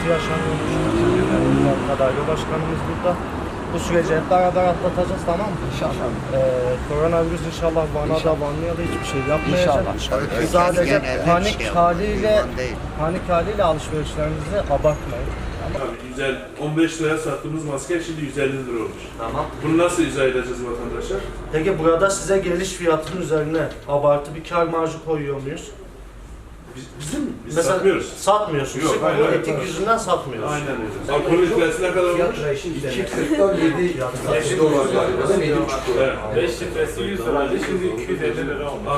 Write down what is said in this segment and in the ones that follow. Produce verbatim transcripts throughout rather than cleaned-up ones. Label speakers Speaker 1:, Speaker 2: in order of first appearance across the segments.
Speaker 1: sıkıntı yaşanıyormuş. Genel Daire Başkanımız burada. Bu süreci hep beraber atlatacağız, tamam mı?
Speaker 2: İnşallah.
Speaker 1: Ee, koronavirüs inşallah Van'a da Vanlı'ya da hiçbir şey yapmayacak.
Speaker 2: İnşallah.
Speaker 1: Biz sadece panik
Speaker 3: şey
Speaker 1: haliyle panik haliyle alışverişlerimizi abartmayın.
Speaker 4: Tabii güzel. on beş liraya sattığımız maske şimdi yüz elli lira olmuş.
Speaker 1: Tamam.
Speaker 4: Bunu nasıl izah edeceğiz vatandaşa?
Speaker 1: Peki burada size geliş fiyatının üzerine abartı bir kar marjı koyuyor muyuz?
Speaker 4: Biz, bizim biz
Speaker 1: Mesela
Speaker 4: satmıyoruz.
Speaker 1: satmıyorsunuz.
Speaker 4: Yok,
Speaker 1: Sırf
Speaker 4: hayır,
Speaker 1: bu
Speaker 4: hayır,
Speaker 1: etik
Speaker 4: hayır.
Speaker 1: yüzünden satmıyoruz.
Speaker 4: Aynen öyle. Alkolün litresi ne kadar olmuş?
Speaker 2: iki kırktan yedi dolar galiba değil mi? yedi buçuk dolar.
Speaker 4: Evet.
Speaker 5: beş litresi yüz liraydı, şimdi iki yüz elli lira olmuş.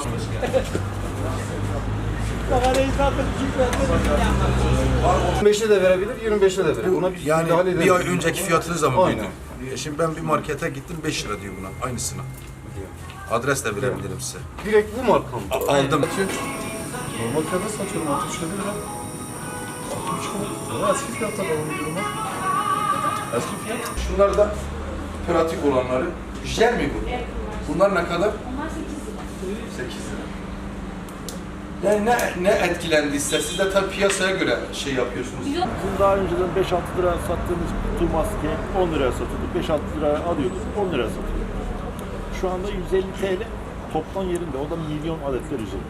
Speaker 2: on beşe de verebilir, yirmi beşe de verebilir. Ona bir
Speaker 6: Yani
Speaker 2: müdahale
Speaker 6: bir
Speaker 2: edelim.
Speaker 6: ay önceki fiyatınızla mı
Speaker 2: Aynen.
Speaker 6: buydu? E şimdi ben bir markete gittim beş lira diyor buna aynısına. Adres de verebilirim size.
Speaker 2: Direkt bu marka mı?
Speaker 6: Aldım.
Speaker 2: Normal fiyatı satıyorum altmış yedi lira. altmış lira. Ama eski fiyata devam ediyorum bak. Eski fiyat. Şunlar da pratik olanları. Jel mi bu? Bunlar ne kadar?
Speaker 7: Onlar sekiz lira.
Speaker 2: sekiz lira. Yani ne, ne etkilendiyse siz de tabii piyasaya göre şey yapıyorsunuz.
Speaker 7: Biz o-
Speaker 5: Bizim daha önceden beş altı lira sattığımız kutu maske on liraya satıyorduk. beş altı liraya alıyorduk, on liraya satıyorduk. Şu anda yüz elli T L toptan yerinde. O da milyon adetler üzerinde.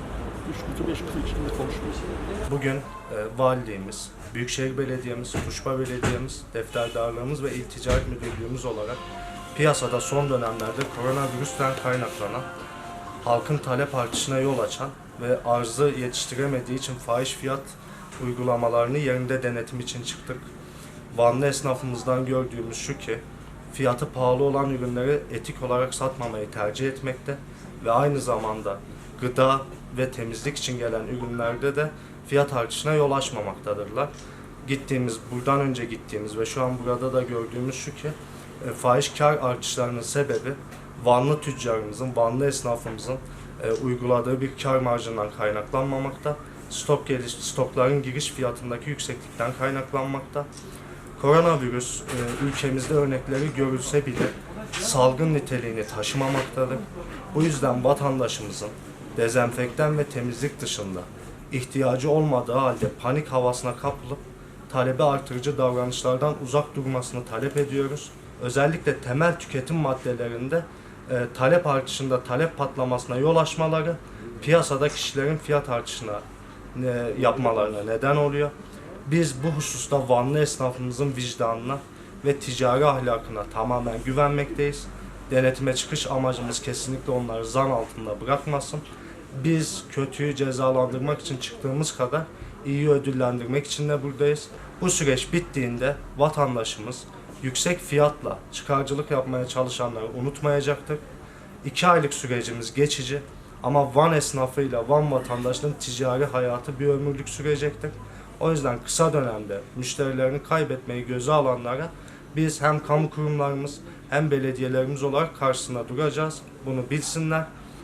Speaker 5: üç kutu beş kutu içinde konuşmuyoruz.
Speaker 1: Bugün e, valiliğimiz, Büyükşehir Belediye'miz, Tuşba Belediye'miz, defterdarlığımız ve İl Ticaret Müdürlüğümüz olarak piyasada son dönemlerde koronavirüsten kaynaklanan halkın talep artışına yol açan ve arzı yetiştiremediği için fahiş fiyat uygulamalarını yerinde denetim için çıktık. Vanlı esnafımızdan gördüğümüz şu ki, fiyatı pahalı olan ürünleri etik olarak satmamayı tercih etmekte ve aynı zamanda gıda ve temizlik için gelen ürünlerde de fiyat artışına yol açmamaktadırlar. Gittiğimiz, buradan önce gittiğimiz ve şu an burada da gördüğümüz şu ki, e, fahiş kar artışlarının sebebi Vanlı tüccarımızın, Vanlı esnafımızın e, uyguladığı bir kar marjından kaynaklanmamakta, stok geliş, stokların giriş fiyatındaki yükseklikten kaynaklanmakta. Koronavirüs e, ülkemizde örnekleri görülse bile salgın niteliğini taşımamaktadır. Bu yüzden vatandaşımızın dezenfektan ve temizlik dışında ihtiyacı olmadığı halde panik havasına kapılıp talebi artırıcı davranışlardan uzak durmasını talep ediyoruz. Özellikle temel tüketim maddelerinde e, talep artışında talep patlamasına yol açmaları piyasada kişilerin fiyat artışına e, yapmalarına neden oluyor. Biz bu hususta Vanlı esnafımızın vicdanına ve ticari ahlakına tamamen güvenmekteyiz. Denetime çıkış amacımız kesinlikle onları zan altında bırakmasın. Biz kötüyü cezalandırmak için çıktığımız kadar iyi ödüllendirmek için de buradayız. Bu süreç bittiğinde vatandaşımız yüksek fiyatla çıkarcılık yapmaya çalışanları unutmayacaktır. İki aylık sürecimiz geçici ama Van esnafıyla Van vatandaşının ticari hayatı bir ömürlük sürecektir. O yüzden kısa dönemde müşterilerini kaybetmeyi göze alanlara biz hem kamu kurumlarımız hem belediyelerimiz olarak karşısında duracağız. Bunu bilsinler.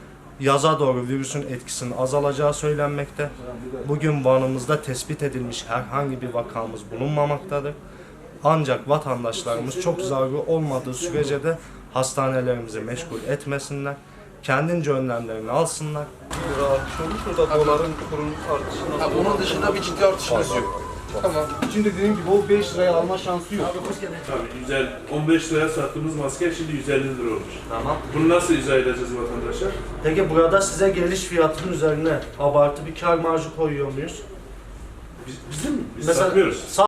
Speaker 1: Yaza doğru virüsün etkisinin azalacağı söylenmekte. Bugün Van'ımızda tespit edilmiş herhangi bir vakamız bulunmamaktadır. Ancak vatandaşlarımız çok zararı olmadığı sürece de hastanelerimizi meşgul etmesinler. Kendince önlemlerini alsınlar.
Speaker 2: Lira artış olmuş, orada doların kurunun artışından
Speaker 6: Ha, onun dışında bir ciddi artışınız yok.
Speaker 2: Tamam. Şimdi dediğim gibi o beş liraya alma şansı yok.
Speaker 4: Tabii güzel. on beş liraya sattığımız maske şimdi yüz elli lira olmuş.
Speaker 1: Tamam.
Speaker 4: Bunu nasıl izah edeceğiz vatandaşa?
Speaker 1: Peki burada size geliş fiyatının üzerine abartı bir kar marjı koyuyor muyuz?
Speaker 4: Biz, bizim biz
Speaker 1: Mesela
Speaker 4: satmıyoruz.